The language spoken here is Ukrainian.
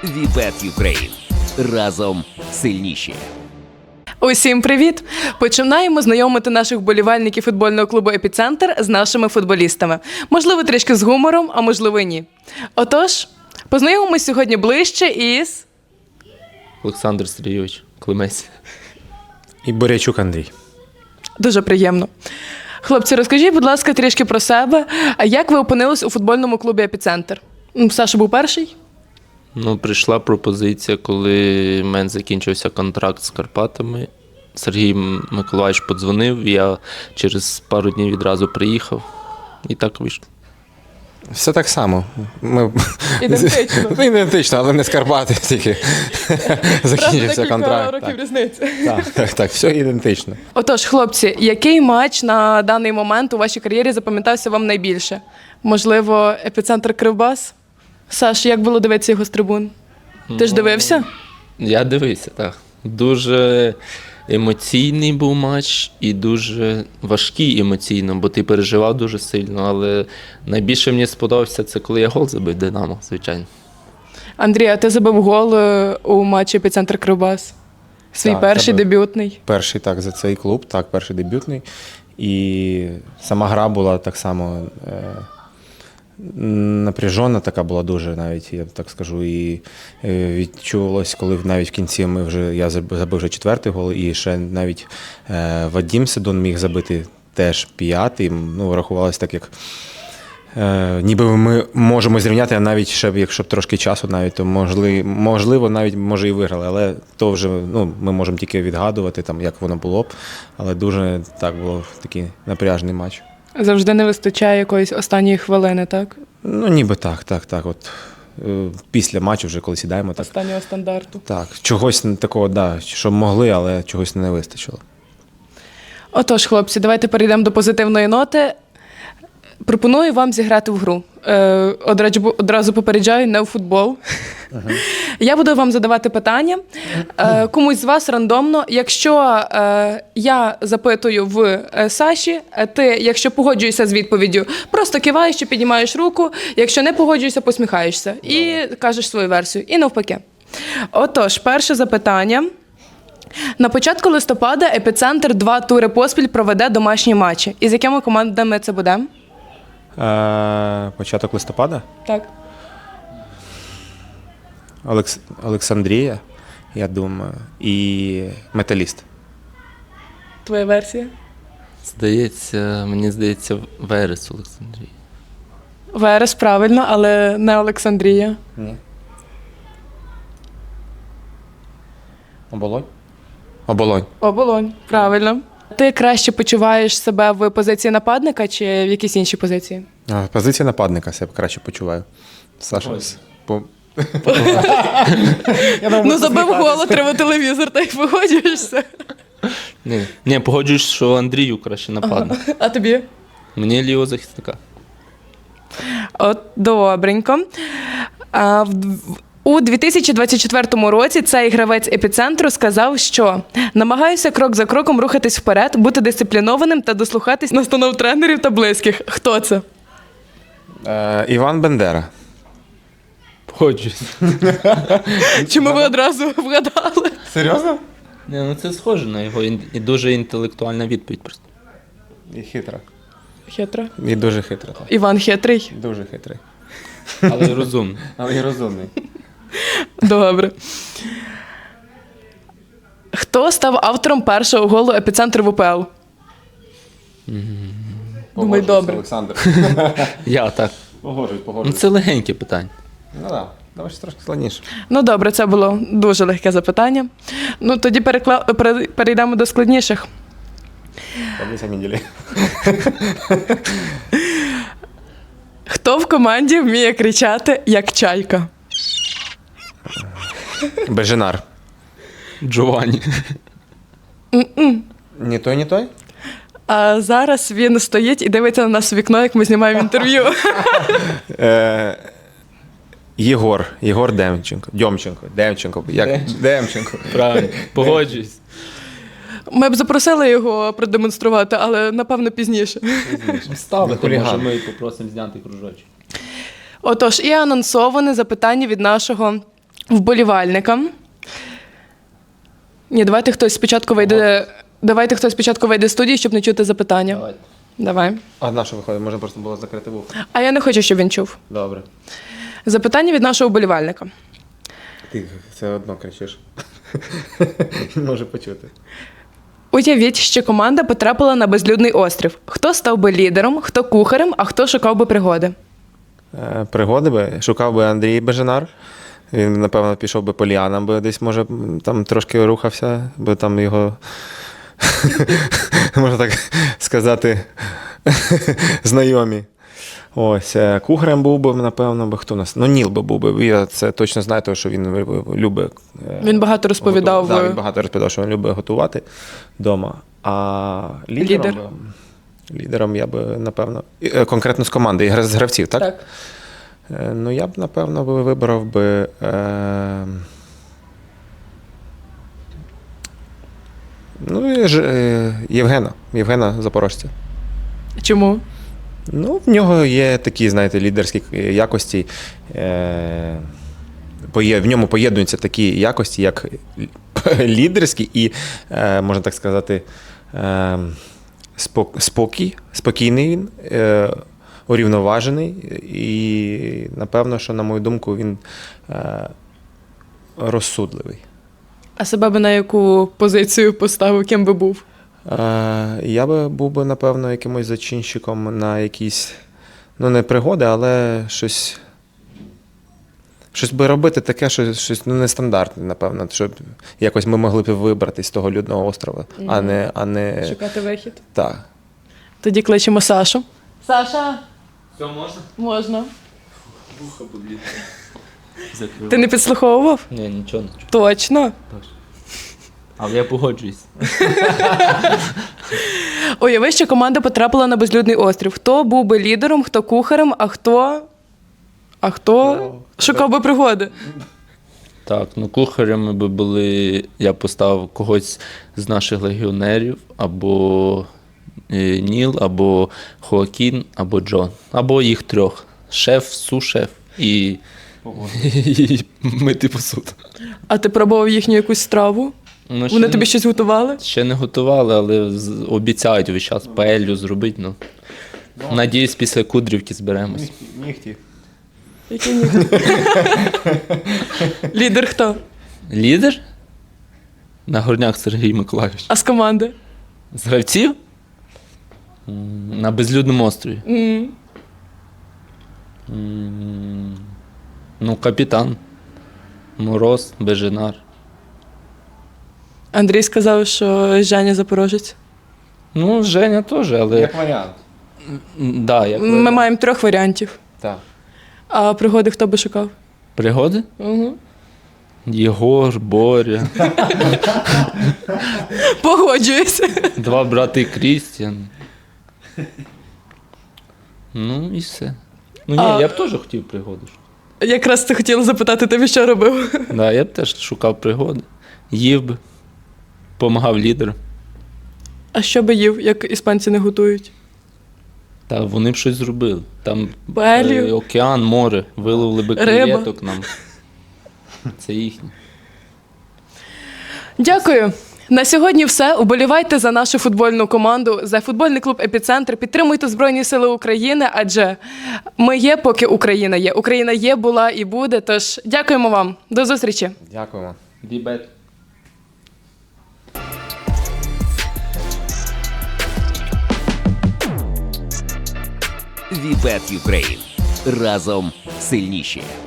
Вібет Юкрейн. Разом сильніші. Усім привіт! Починаємо знайомити наших вболівальників футбольного клубу «Епіцентр» з нашими футболістами. Можливо, трішки з гумором, а можливо, і ні. Отож, познайомимось сьогодні ближче із... Олександр Сергійович Климець. І Борячук Андрій. Дуже приємно. Хлопці, розкажіть, будь ласка, трішки про себе. А як ви опинились у футбольному клубі «Епіцентр»? Саша був перший? Прийшла пропозиція, коли в мене закінчився контракт з Карпатами. Сергій Миколаївич подзвонив, я через пару днів відразу приїхав. І так вийшло. Все так само. Ми... Ідентично. Ідентично, але не з Карпати тільки закінчився контракт. Років різниці. Так, все ідентично. Отож, хлопці, який матч на даний момент у вашій кар'єрі запам'ятався вам найбільше? Можливо, «Епіцентр» Кривбас? Саш, як було дивитися його з трибун? Ти ж дивився? Я дивився, так. Дуже емоційний був матч і дуже важкий емоційно, бо ти переживав дуже сильно, але найбільше мені сподобався це, коли я гол забив «Динамо», звичайно. Андрій, а ти забив гол у матчі «Епіцентр» Кривбас? Свій Так, перший забив. дебютний? Перший так за цей клуб, так, перший дебютний. І сама гра була так само напряжена, така була дуже навіть, я так скажу. І відчувалось, коли навіть в кінці я забив вже 4-й гол, і ще навіть Вадим Седун міг забити теж 5-й. Рахувалось так, як ніби ми можемо зрівняти, а навіть ще, якщо б трошки часу навіть, то можливо навіть може і виграли, але то вже ми можемо тільки відгадувати, як воно було б, але дуже так було такий напряжний матч. Завжди не вистачає якоїсь останньої хвилини, так? Ніби так. От після матчу вже коли сідаємо, так. Останнього стандарту. Так, чогось такого, да, що могли, але чогось не вистачило. Отож, хлопці, давайте перейдемо до позитивної ноти. Пропоную вам зіграти в гру. Одразу попереджаю, не в футбол. Я буду вам задавати питання. Комусь з вас рандомно. Якщо я запитую в Саші, ти, якщо погоджуєшся з відповіддю, просто киваєш чи піднімаєш руку. Якщо не погоджуєшся, посміхаєшся. І кажеш свою версію. І навпаки. Отож, перше запитання. На початку листопада «Епіцентр» 2 тури поспіль проведе домашні матчі. І з якими командами це буде? Початок листопада? Так. Олександрія, я думаю, і Металіст. Твоя версія? Мені здається, Верес Олександрій. Верес, правильно, але не Олександрія. Ні. Оболонь? Оболонь, правильно. Ти краще почуваєш себе в позиції нападника чи в якійсь іншій позиції? Позиція нападника себе краще почуваю. Саша. Забив гол, треба телевізор, та й погоджуєшся. Ні, погоджуюсь, що Андрію краще нападник. А тобі? Мені лівого захисника. От, добренько. У 2024 році цей гравець «Епіцентру» сказав, що намагаюся крок за кроком рухатись вперед, бути дисциплінованим та дослухатись настанов тренерів та близьких. Хто це? Іван Бендера. Погоджуюсь. Чому ви одразу вгадали? Серйозно? Це схоже на його і дуже інтелектуальна відповідь просто. І хитра. Хитро. І дуже хитра. Так. Іван хитрий. Дуже хитрий. Але й розумний. Але і розумний. Добре. Хто став автором першого голу «Епіцентру» в УПЛ? Думай добре. Олександр. Я так. Погоджуюсь. Це легеньке питання. Так, давай ще трошки складніше. Добре, це було дуже легке запитання. Тоді перейдемо до складніших. Таблиця Менделєєва. Хто в команді вміє кричати, як чайка? Беженар. Джованні. Не той, не той? А зараз він стоїть і дивиться на нас в вікно, як ми знімаємо інтерв'ю. Єгор Демченко. Демченко. Правильно. Погоджуюсь. Ми б запросили його продемонструвати, але, напевно, пізніше. Ставити, може, ми попросимо зняти кружочок. Отож, і анонсоване запитання від нашого вболівальникам. Ні, давайте хтось спочатку вийде. Давайте хтось спочатку вийде з студії, щоб не чути запитання. Давайте. Давай. А на що виходить? Можна просто було закрити вухо. А я не хочу, щоб він чув. Добре. Запитання від нашого вболівальника. Ти все одно кричиш. Може почути. Уявіть, що команда потрапила на безлюдний острів. Хто став би лідером, хто кухарем, а хто шукав би пригоди? Пригоди би шукав би Андрій Бежанар. Він, напевно, пішов би по ліанам, бо десь, може, там трошки рухався, бо там його, можна так сказати, знайомі. Ось, кухарем був би, напевно, хто у нас? Ну, Ніл би був би. Я це точно знаю, тому що він любить. Він багато розповідав. Да, він багато розповідав, що він любить готувати вдома. А лідером я би, напевно, конкретно з команди, з гравців, так? Так. Ну, я б, напевно, вибрав би Євгена Запорожця. Чому? Ну, в нього є такі, знаєте, лідерські якості. В ньому поєднуються такі якості, як лідерські і, можна так сказати, спокійний він, урівноважений. І, напевно, що, на мою думку, він розсудливий. А себе би на яку позицію поставив, ким би був? Я би був би, напевно, якимось зачинщиком на якісь, ну, не пригоди, але щось би робити таке, щось ну, нестандартне, напевно, щоб якось ми могли б вибрати з того людного острова, а не... Шукати вихід. Так. Тоді кличемо Сашу. Саша! Все можна? Можна. Вуха поблід. Закрив. Ти не підслуховував? Ні, нічого не чую. Точно. Але я погоджуюсь. Уяви, що команда потрапила на безлюдний острів. Хто був би лідером, хто кухарем, а хто шукав би пригоди? Так, ну кухарями би були, я поставив когось з наших легіонерів, або Ніл, або Хоакін, або Джон. Або їх трьох. Шеф, су-шеф і мити посуд. А ти пробував їхню якусь страву? Ну, Вони тобі щось готували? Ще не готували, але обіцяють весь час паелью зробити. Ну. Надіюсь, після Кудрівки зберемось. Нігті. Які ні? Лідер хто? Лідер? Нагорняк Сергій Миколайович. А з команди? З гравців? На безлюдному острові. Ну, капітан. Мороз, Беженар. Андрій сказав, що Женя Запорожець. Ну, Женя теж, але. Як варіант. Да, як Ми варіант. маємо 3 варіантів. Так. А пригоди хто би шукав? Пригоди? Угу. Єгор, Боря, Погоджуюся. 2 брати Крістіан. Ну і все. Ну ні, А- я б теж хотів пригоди. Якраз ти хотіла запитати тебе, що робив. Да, я б теж шукав пригоди. Їв би. Помагав лідеру. А що би їв, як іспанці не готують? Та вони б щось зробили. Там Паелью? океан, море, виловили би Риба. креветок нам. Це їхнє. Дякую. На сьогодні все. Уболівайте за нашу футбольну команду, за футбольний клуб «Епіцентр». Підтримуйте Збройні Сили України, адже ми є, поки Україна є. Україна є, була і буде. Тож дякуємо вам. До зустрічі. Дякуємо. Дібет. Вібет Юкрейн. Разом сильніші.